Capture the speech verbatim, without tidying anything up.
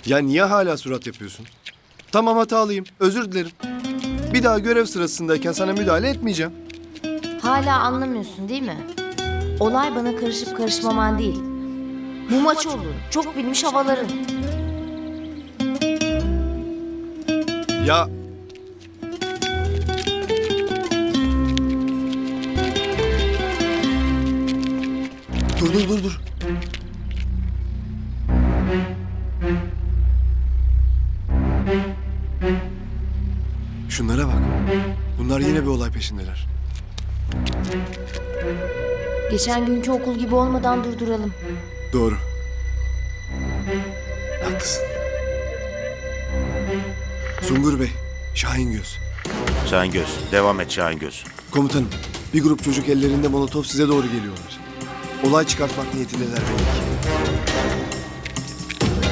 Ya niye hala surat yapıyorsun? Tamam, hatalıyım. Özür dilerim. Bir daha görev sırasındayken sana müdahale etmeyeceğim. Hala anlamıyorsun değil mi? Olay bana karışıp karışmaman değil. Bu maç olur. Çok bilmiş havaların. Ya... Dur dur dur dur. Şunlara bak. Bunlar yine bir olay peşindeler. Geçen günkü okul gibi olmadan durduralım. Doğru. Haklısın. Sungur Bey, Şahin Göz. Şahingöz. Devam et Şahingöz. Komutanım, bir grup çocuk ellerinde molotof size doğru geliyorlar. Olay çıkartmak niyetindeler belli ki.